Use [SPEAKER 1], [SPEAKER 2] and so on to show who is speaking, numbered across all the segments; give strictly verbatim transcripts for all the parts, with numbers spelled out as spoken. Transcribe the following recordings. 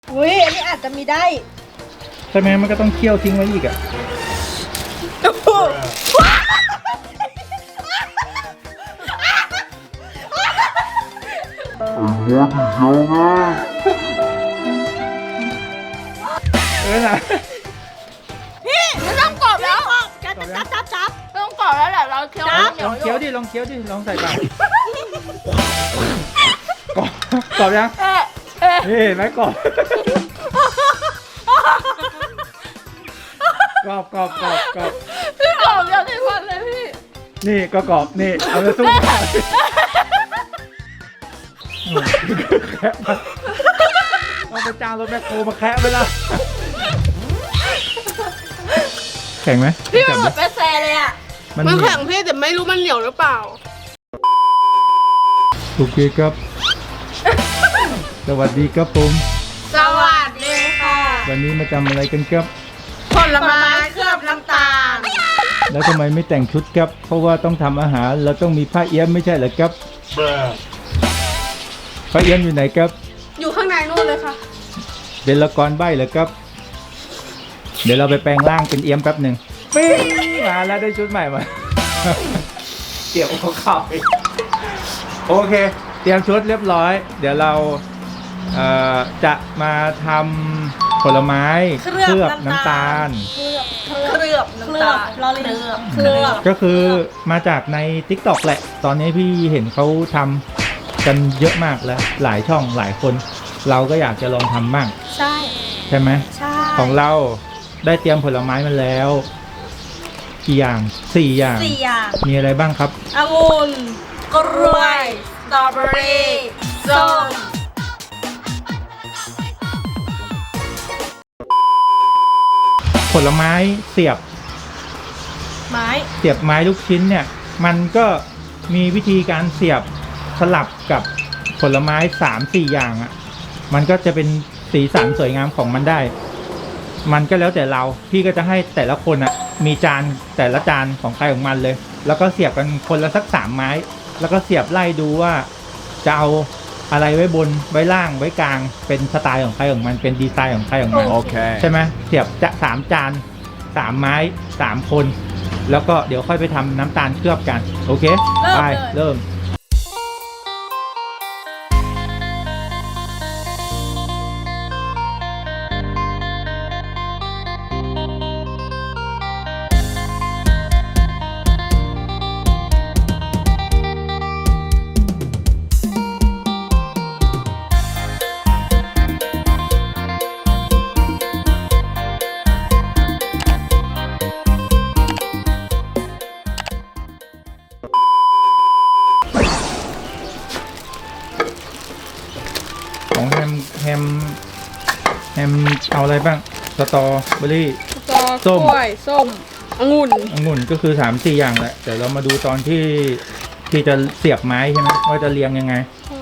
[SPEAKER 1] อุ้ยอันนี้อาจจะมีได้
[SPEAKER 2] ใช่ไหมมันก็ต้องเคี่ยวทิ้งไว้อีกอ่ะเออนะ
[SPEAKER 3] พี่ไม่ต้องกรอบแล้ว
[SPEAKER 1] จับจับจับจับ
[SPEAKER 3] ไม่ต้องกรอบแล้วแหละเราเคี้ยว
[SPEAKER 2] ลองเคี้ยวดิลองเคี้ยวดิลองใส่ปากกรอบกรอบยัง
[SPEAKER 3] เอ๊ะเอ๊ะ
[SPEAKER 2] นี่เห็นไหมกรอบกรอบกรอบกรอบกรอบ
[SPEAKER 3] พี่กรอบอย่างที่ฟันเลยพี่
[SPEAKER 2] นี่ก็กรอบนี่เอาไปสู้กันแคะมาเอาไปจ้างรถแมคโครมาแคะไปละแข็งไหม
[SPEAKER 3] พี่มันเหมือนเป็นแซเลยอ่ะ
[SPEAKER 2] มัน
[SPEAKER 4] มัน
[SPEAKER 2] เหนี
[SPEAKER 4] แข็
[SPEAKER 2] ยว
[SPEAKER 4] งพี่แต่ไม่รู้มันเหนียวหรือเปล่า
[SPEAKER 2] โอเคครับ สวัสดีครับผม
[SPEAKER 4] สวัสดีค่ะ
[SPEAKER 2] วันนี้มาทำอะไรกันครับ
[SPEAKER 4] ผลไม้เคลือบน้ำตาล
[SPEAKER 2] แล้วทำไมไม่แต่งชุดครับ เพราะว่าต้องทำอาหารเราต้องมีผ้าเอี้ยมไม่ใช่เหรอครับผ้าเอี้ยมอยู่ไหนครับ
[SPEAKER 4] อยู่ข้างในนู่นเลยค่ะ
[SPEAKER 2] เป็นละครใบ้เหรอครับ เดี๋ยวเราไปแปลงร่างเป็นเอี้ยมแป๊บหนึ่งปิ้งมาแล้วได้ชุดใหม่มา เกี่ยวกับข้าวโอเค เตรียมชุดเรียบร้อย เดี๋ยวเราเอ่อจะมาทำผลไม้เคลือบน้ำตาล
[SPEAKER 1] เคลือบเคลือบลอลิงเคลือบ
[SPEAKER 2] ก็คือมาจากใน ติ๊กต็อก แหละ ตอนนี้พี่เห็นเขาทำกันเยอะมากแล้ว หลายช่องหลายคน เราก็อยากจะลองทำบ้าง
[SPEAKER 1] ใช่
[SPEAKER 2] ใช่ไหม
[SPEAKER 1] ใช่
[SPEAKER 2] ของเราได้เตรียมผลไม้มาแล้วกี่อย่างสี่อย่าง
[SPEAKER 1] สี่อย่าง
[SPEAKER 2] มีอะไรบ้างครับ
[SPEAKER 1] องุ่นกล้วยสตรอเบอรี่ส้ม
[SPEAKER 2] ผลไม้เสียบ
[SPEAKER 1] ไม้
[SPEAKER 2] เสียบไม้ลูกชิ้นเนี่ย มันก็มีวิธีการเสียบสลับกับผลไม้สามสี่อย่างอะ่ะ มันก็จะเป็นสีสันสวยงามของมันได้ มันก็แล้วแต่เรา พี่ก็จะให้แต่ละคนอะ่ะ มีจานแต่ละจานของใครของมันเลย แล้วก็เสียบกันคนละสักสามไม้ แล้วก็เสียบไล่ดูว่าจะเอาอะไรไว้บนไว้ล่างไว้กลาง เป็นสไตล์ของใครของมัน เป็นดีไซน์ของใครของมัน
[SPEAKER 1] โอเค
[SPEAKER 2] ใช่ไหมเสียบจะสามจานสามไม้สามคน แล้วก็เดี๋ยวค่อยไปทำน้ำตาลเคลือบกัน โอเค ไป เริ่ม ของแฮมแฮมแฮมเอาอะไรบ้างสตรอเบอรี่
[SPEAKER 4] กอก
[SPEAKER 2] ส้ม
[SPEAKER 4] ล้วยส้มองุ่น
[SPEAKER 2] องุ่นก็คือสามสี่อย่างแหละเดี๋ยวเรามาดูตอนที่ที่จะเสียบไม้ใช่ไหมว่าจะเรียงยังไง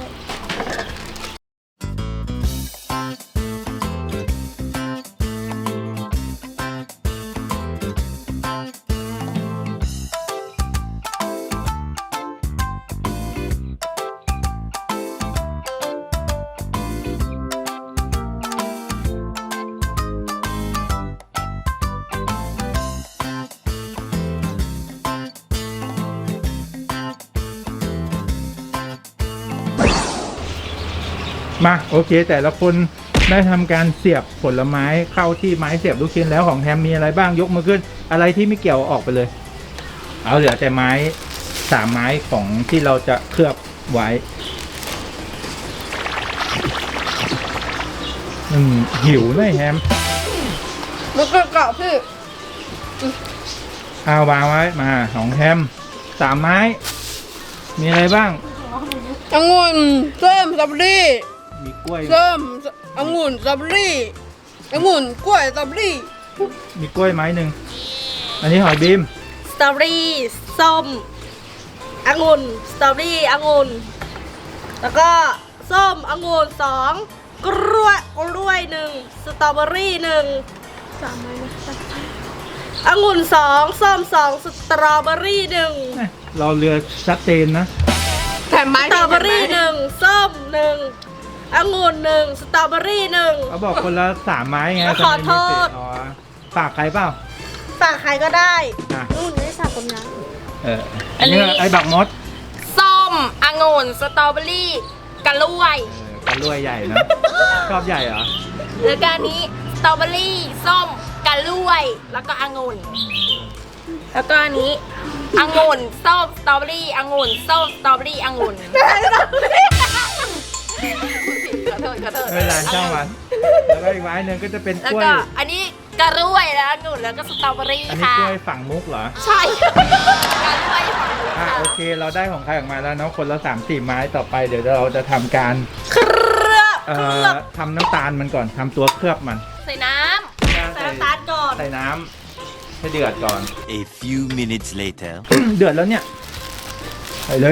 [SPEAKER 2] มาโอเค แต่ละคนได้ทำการเสียบผลไม้เข้าที่ไม้เสียบลูกชิ้นแล้วของแฮมมีอะไรบ้างยกมือขึ้น อะไรที่ไม่เกี่ยวออกไปเลย เอาเหลือแต่ไม้สามไม้ของที่เราจะเคลือบไว้อืมหิวเลยแฮม
[SPEAKER 4] มันก็เกาะพี่
[SPEAKER 2] เอาวางไว้มาของแฮมสามไม้ มีอะไรบ้าง
[SPEAKER 4] องุ่นส้มสตรอเบอรี่
[SPEAKER 2] มีกล้วย
[SPEAKER 4] ส้มองุ่นสตรอเบอรี่องุ่นกล้วยสตรอเบอรี่
[SPEAKER 2] มีกล้วยไม้หนึ่งอันนี้หอยบีม
[SPEAKER 1] สตรอเบอรี่ส้มองุ่นสตรอเบอรี่องุ่นแล้วก็ส้มองุ่นสองกล้วยกล้วยหนึ่งสตรอเบอรี่หนึ่ง
[SPEAKER 4] สามไม้นะ
[SPEAKER 1] องุ่นสองส้มสองสตรอเบอรี่หนึ่ง
[SPEAKER 2] เราเรือชัดเจนนะ
[SPEAKER 4] แต่ไม้
[SPEAKER 1] สตรอเบอรี่หนึ่งส้มหนึ่งองุ่นหนึ่งสตรอเบอรี่หนึ่ง
[SPEAKER 2] เขาบอกคนละสามไม้ไง
[SPEAKER 1] ขอโทษ
[SPEAKER 2] ทำไมมีสิทธิ์อ๋อฝากใครเปล่า
[SPEAKER 1] ฝากใครก็ได้
[SPEAKER 2] อ่ะ
[SPEAKER 1] นู่นไม่ฝากคนนั้น
[SPEAKER 2] เอออันนี้ไอ้บักมด
[SPEAKER 3] ส้มองุ่นสตรอเบอรี่กะล้วย
[SPEAKER 2] เออกันรวยใหญ่นะ ชอบใหญ่เหรอ
[SPEAKER 3] แล้วก็อันนี้สตรอเบอรี่ส้มกะล้วย แล้วก็องุ่นแล้วก็อันนี้องุ่นส้มสตรอเบอรี่องุ่นส้มสตรอเบอรี่องุ่นขอโทษขอโทษ
[SPEAKER 2] ไม่เป็นไรช่างมัน แล้วก็อีกไม้หนึ่งก็จะเป็น
[SPEAKER 3] แล้ว
[SPEAKER 2] กล้วย
[SPEAKER 3] ก็อันนี้กะล้วยแล้วองุ่นแล้วก็สตรอเบอรี่
[SPEAKER 2] อันนี้
[SPEAKER 3] ค่ะ
[SPEAKER 2] กล้วยฝั่งมุกเหรอ
[SPEAKER 3] ใช่กะล้วยฝั่งนู้น
[SPEAKER 2] อ่ะ
[SPEAKER 3] ค่ะ
[SPEAKER 2] โอเคเราได้ของใครออกมาแล้วเนาะคนละสามสี่ไม้ต่อไปเดี๋ยวเราจะทำการ
[SPEAKER 1] เครือบ
[SPEAKER 2] เอ่
[SPEAKER 1] เค
[SPEAKER 2] อ
[SPEAKER 1] รือบ
[SPEAKER 2] ทำน้ำตาลมันก่อนทำตัวเคลือบมัน
[SPEAKER 3] ใส่น้
[SPEAKER 1] ใส่น้ำตาลก่อน
[SPEAKER 2] ใส่น้ำให้เดือดก่อน
[SPEAKER 5] A few minutes later.
[SPEAKER 2] เดือดแล้วเนี่ยใส่เลย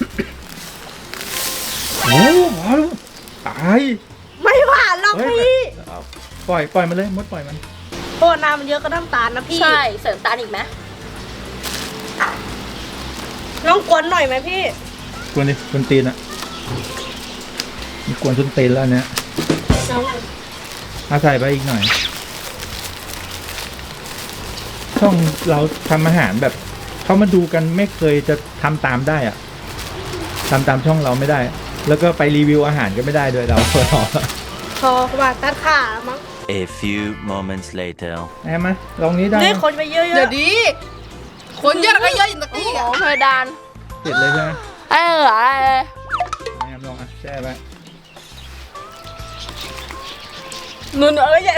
[SPEAKER 2] โอ้พอแล้วตาย
[SPEAKER 1] ไม่หวานหรอก
[SPEAKER 2] เฮ้ย
[SPEAKER 1] พี่
[SPEAKER 2] เอาปล่อยปล่อยมันเลยมดปล่อยมัน
[SPEAKER 1] โอ้น้ำมันเยอะก็น้ำตาลนะ
[SPEAKER 3] ำ
[SPEAKER 1] พี่
[SPEAKER 3] ใช่เสริมตาลอีกไหม
[SPEAKER 1] ลองกวนหน่อยไหมพี่
[SPEAKER 2] กวนดิกวนตีนอะมีกวนจนตีนแล้วเนี่ยเอาใส่ไปอีกหน่อย ช่องเราทำอาหารแบบเขามาดูกันไม่เคยจะทำตามได้อะทำตามช่องเราไม่ได้ แล้วก็ไปรีวิวอาหารก็ไม่ได้ด้วยเรา
[SPEAKER 1] พอว่าตัดขามั้ง
[SPEAKER 5] A few moments later.
[SPEAKER 2] แอมมาลองนี้ได้
[SPEAKER 1] ได้คนไปเยอะ
[SPEAKER 4] เดี๋ยว
[SPEAKER 1] ๆ
[SPEAKER 4] ดี คนเยอะก็เยอะอย่างตะ
[SPEAKER 3] โอ้
[SPEAKER 4] กี้
[SPEAKER 3] โห
[SPEAKER 4] อ่ะ
[SPEAKER 3] เพดาน
[SPEAKER 2] เสร็จเลยใช่ไหม
[SPEAKER 3] เอออะไร
[SPEAKER 2] แอมลองอ่ะแช่ไป
[SPEAKER 1] นุ่นเอ้ยใหญ่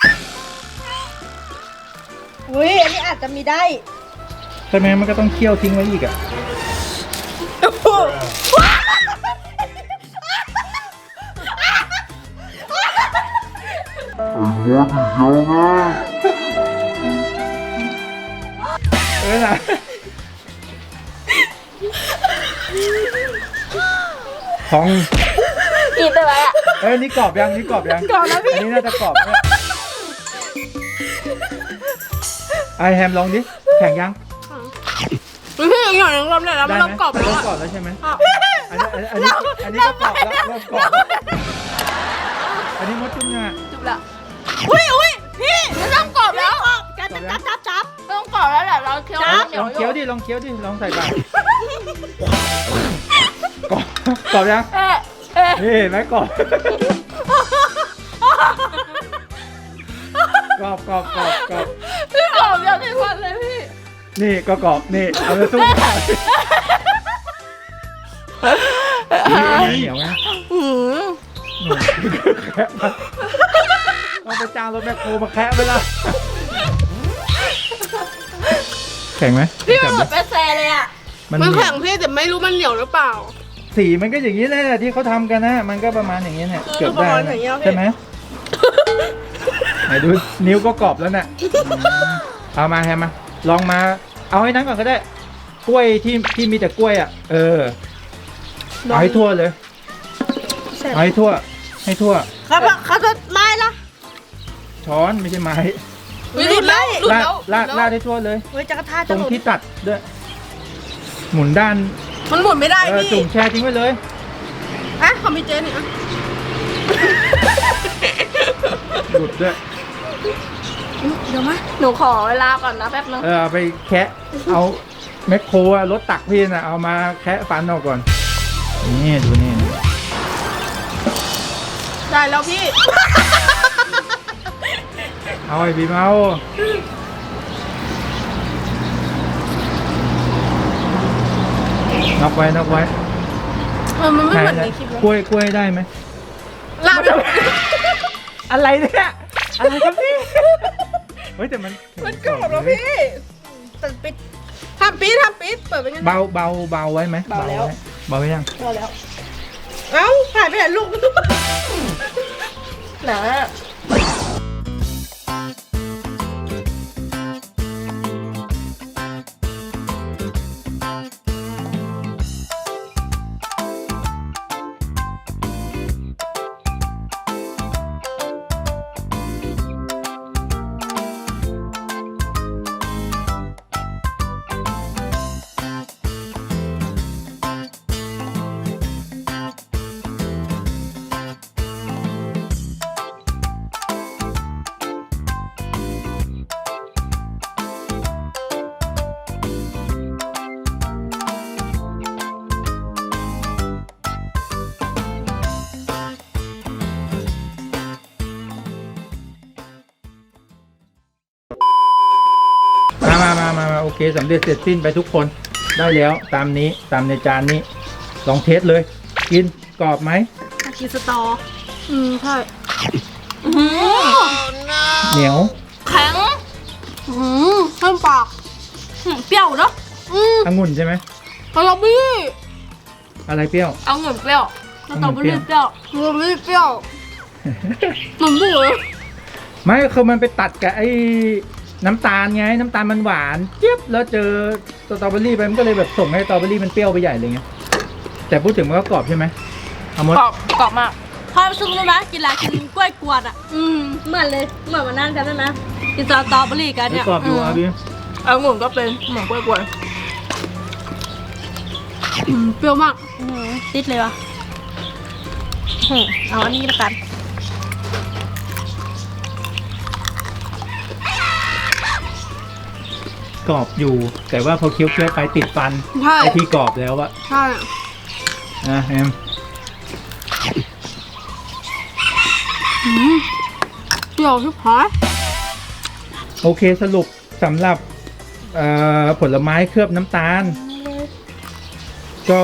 [SPEAKER 1] อุ้ยอันนี้อาจจะมีได้
[SPEAKER 2] ใช่ไหมมันก็ต้องเคี่ยวทิ้งไว้อีกอ่ะ เออนะของ
[SPEAKER 3] กินได้ไหมอ่ะ
[SPEAKER 2] เอ้ยนี่กรอบยังนี่กรอบยังกรอบแล้วพี่อันนี้น่าจะกรอบเนี่ยไอแฮมลองดิแข็งยัง
[SPEAKER 4] พี่อย่างหนึ่งรอบเลยแล้วมัน
[SPEAKER 2] ได้
[SPEAKER 4] เริ่
[SPEAKER 2] ไห
[SPEAKER 4] ม
[SPEAKER 2] ม
[SPEAKER 4] กรอบแล้ว
[SPEAKER 2] เริ่ม
[SPEAKER 4] อ่ะ
[SPEAKER 2] กรอบแล้วใช่ไหมอันนี้อันนี้อันนี้ก็กรอบแล้วเริ่มกรอบแล้วอันนี้มดจุ่มยังอ่ะ
[SPEAKER 3] จุบละ
[SPEAKER 1] อุ้ยอุ้ยพี่
[SPEAKER 3] ไม่ต้องกรอบแล้ว
[SPEAKER 1] จับจับจับจับ
[SPEAKER 3] ไม่ต้องกรอบแล้วแหละเราเคี้ยว
[SPEAKER 1] จ๊บ
[SPEAKER 3] เหนีย
[SPEAKER 2] ล
[SPEAKER 3] ว
[SPEAKER 2] อง
[SPEAKER 3] อ
[SPEAKER 2] เคี้ยว
[SPEAKER 3] ยู่
[SPEAKER 2] ดิลองเคี้ยวดิลองใส่ปากกรอบกรอบยัง
[SPEAKER 3] เอ๊ะเอ๊ะ
[SPEAKER 2] นี่เห็นไหมกรอบกรอบกรอบกรอบกรอบ
[SPEAKER 3] พี่กรอบเดียวในวันเลยพี่
[SPEAKER 2] นี่ก็กรอบนี่เอาไปสู้กันเหนียวไหม
[SPEAKER 3] หืม
[SPEAKER 2] แคะมาเอาไปจ้างรถแมคโครมาแคะไปละแข็งไหม
[SPEAKER 3] พี่มัน
[SPEAKER 2] จับ
[SPEAKER 3] เหมื
[SPEAKER 2] ดิ
[SPEAKER 3] อนเปแซเลยอ่ะ
[SPEAKER 2] มัน
[SPEAKER 4] มัน
[SPEAKER 2] เหนี
[SPEAKER 4] แข็
[SPEAKER 2] ยว
[SPEAKER 4] งพี่แต่ไม่รู้มันเหนียวหรือเปล่า
[SPEAKER 2] สีมันก็อย่างนี้แหละที่เขาทำกันนะ มันก็ประมาณอย่างนี้เนี่ยเกือบได้นะใช่ไหมไหนดูนิ้วก็กรอบแล้วเนี่ยอืมเอามาแฮมมาลองมา เอาให้นั้นก่อนก็ได้ กล้วยที่ที่มีแต่กล้วยอ่ะ เออเอาให้ทั่วเลยเอาให้ทั่ว ให้ทั่ว
[SPEAKER 1] เขาเขาจะไม้ละ
[SPEAKER 2] ช้อนไม่ใช่ไม้
[SPEAKER 4] อุ๊ยหลุดแล้วหลุด
[SPEAKER 2] ลาด
[SPEAKER 4] แล้ว
[SPEAKER 2] ลาดลาดให้ทั่วเลย
[SPEAKER 1] เฮ้ยจักรท่า
[SPEAKER 2] ต
[SPEAKER 1] จะ
[SPEAKER 2] รง
[SPEAKER 1] หลุด
[SPEAKER 2] ที่ตัดด้วย หมุนด้าน
[SPEAKER 4] มันหมุนไม่ได้
[SPEAKER 2] เออ
[SPEAKER 4] พี่
[SPEAKER 2] จุ่มแช่ทิ้งไว้เลย
[SPEAKER 4] อ่ะคอมพิวเตอร์นี่อ่ะ
[SPEAKER 2] หลุดด้วย
[SPEAKER 3] เดี๋ยวมาหนูขอเวลาก่อนนะแป๊บนึง
[SPEAKER 2] เออเอาไปแคะเอาแมคโครอะรถตักพี่นะเอามาแคะฟันออกก่อน นี่ดูนี่
[SPEAKER 4] ได้แล้วพี่
[SPEAKER 2] เอาไอ้บีมเอาน็อกไว้น็อกไว้
[SPEAKER 4] เออมันไม่เหมือน
[SPEAKER 2] ไห
[SPEAKER 4] ในคลิปเลย
[SPEAKER 2] กล้วยกล้วยได้ไหม
[SPEAKER 4] ลาบ
[SPEAKER 2] อะไรเนี่ยอะไรครับพี่เฮ้ยแต่มัน
[SPEAKER 4] มันกรอบแล้วพี่
[SPEAKER 1] ตัดปิด
[SPEAKER 4] ทำปี๊ดทำปี๊ดเปิดเป็นไง
[SPEAKER 2] เบาเบาเบาไว้ไหม
[SPEAKER 1] เบาแล้ว
[SPEAKER 2] ไเบาไว้ยัง
[SPEAKER 1] พอแล้ว เอ้าหายไปไหนลูก
[SPEAKER 3] หนา
[SPEAKER 2] มามาโอเคสำเร็จเสร็จสิ้นไปทุกคนได้แล้วตามนี้ตามในจานนี้ลองเทสเลย กินกรอบไหม
[SPEAKER 1] มากินสตอ
[SPEAKER 4] อืมใช่
[SPEAKER 2] เหนียว
[SPEAKER 3] แข็ง
[SPEAKER 4] อืมเข้มปาก
[SPEAKER 1] อืมเปรี้ยวเนาะ
[SPEAKER 4] อืม
[SPEAKER 2] องุ่นใช่ไหม
[SPEAKER 4] สตรอเบอรี่
[SPEAKER 2] อะไรเปรี้ยว
[SPEAKER 3] เอาเงินเปรี้ยว
[SPEAKER 1] สตรอเบอรี่เปรี้ยว
[SPEAKER 4] สตรอเบอรี่เปรี้ยวมันบุ๋ย
[SPEAKER 2] ไม่คือมันไปตัดกับไอ้น้ำตาลไงน้ำตาลมันหวานเจี๊ยบแล้วเจอสตรอเบอรี่ไปมันก็เลยแบบส่งให้สตรอเบอรี่มันเปรี้ยวไปใหญ่เลยไงแต่พูดถึงมันก็กรอบใช่ไหมเอาหมด
[SPEAKER 3] กรอบกรอบมาก
[SPEAKER 1] พอซุปรู้ไหมกินอะไรกินกล้วยกวนอ่ะ อืมเหมือนเลยเหมือนมานั่งกันได้ไหมกินสตรอเบอรี่กัน
[SPEAKER 2] ไม่
[SPEAKER 1] เนี่ย
[SPEAKER 2] กรอบอยู่อ่ะพี่
[SPEAKER 3] เอาเงินก็เป็นเหมือนกล้วย
[SPEAKER 4] อืมเปรี้ยวมาก
[SPEAKER 1] อืมติดเลยวะอืมเอาอันนี้ละกัน
[SPEAKER 2] กรอบอยู่ แต่ว่าพอเคี้ยวเคี้ยวๆไปติดฟัน
[SPEAKER 4] ใช่
[SPEAKER 2] ไอที่กรอบแล้วอะ
[SPEAKER 4] ใช่
[SPEAKER 2] นะแอม
[SPEAKER 4] อืมเปรี้ยวชิบหาย
[SPEAKER 2] โอเคสรุปสำหรับเอ่อผลไม้เคลือบน้ำตาล ก็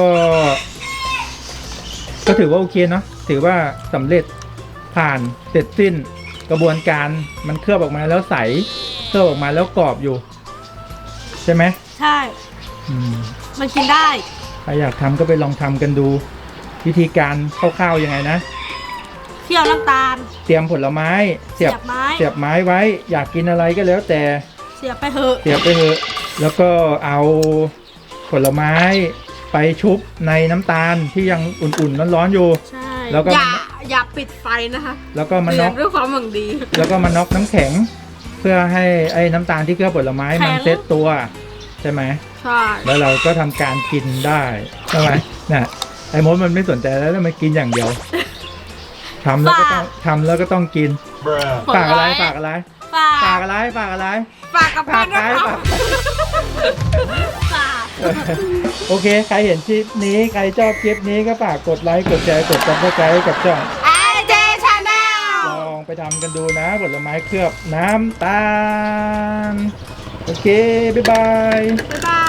[SPEAKER 2] ก็ถือว่าโอเคเนาะถือว่าสำเร็จผ่านเสร็จสิ้นกระบวนการมันเคลือบออกมาแล้วใสเคลือบออกมาแล้วกรอบอยู่ ใช่ไหม
[SPEAKER 1] ใช่
[SPEAKER 2] อืม
[SPEAKER 1] มันกินได้
[SPEAKER 2] ใครอยากทำก็ไปลองทำกันดู วิธีการคร่าวๆยังไงนะ
[SPEAKER 1] เคี่ยวน้ำตาล
[SPEAKER 2] เตรียมผลไม้เสียบ
[SPEAKER 1] เสียบไม้
[SPEAKER 2] เสียบไม้ไว้ อยากกินอะไรก็แล้วแต่
[SPEAKER 1] เสียบไปเถอะ
[SPEAKER 2] เสียบไปเถอะแล้วก็เอาผลไม้ไปชุบในน้ำตาลที่ยังอุ่นๆร้อนๆอยู่
[SPEAKER 1] ใช่
[SPEAKER 2] แล้วก็
[SPEAKER 4] อย่าอย่าปิดไฟนะคะ
[SPEAKER 2] แล้วก็มา
[SPEAKER 4] เดื
[SPEAKER 2] น็
[SPEAKER 4] อ
[SPEAKER 2] อ
[SPEAKER 4] ด
[SPEAKER 2] ก
[SPEAKER 4] ด้วยความหวังดี
[SPEAKER 2] แล้วก็มาน็อกน้ำแข็ง เพื่อให้ไอ้น้ำตาลที่เคลือบผลไม้มันเซตตัวใช่ไหม
[SPEAKER 4] ใช่
[SPEAKER 2] แล้วเราก็ทำการกินได้ใช่ไหมน่ะไอ้มดมันไม่สนใจแล้วมันกินอย่างเดียวทำแล้วก็ต้องทำแล้วก็ต้องกินฝากอะไรฝากอะไร
[SPEAKER 1] ฝา
[SPEAKER 2] ฝาก กอะไรฝากอะไร
[SPEAKER 4] ฝากกับ
[SPEAKER 2] ฝา
[SPEAKER 4] เพื่อก น
[SPEAKER 2] อะไร
[SPEAKER 4] นะค
[SPEAKER 2] ฝา
[SPEAKER 4] รั
[SPEAKER 2] ก
[SPEAKER 4] บ
[SPEAKER 1] ฝาก
[SPEAKER 2] โอเค ใครเห็นคลิปนี้ ใครชอบคลิปนี้ก็ฝากกดไลค์ กดแชร์ กดซับสไครต์กับช่อง
[SPEAKER 4] ไอเจชาแนล
[SPEAKER 2] ลองไปทำกันดูนะ ผลไม้เคลือบน้ำตาล โอเค บ๊ายบาย
[SPEAKER 4] บ๊ายบาย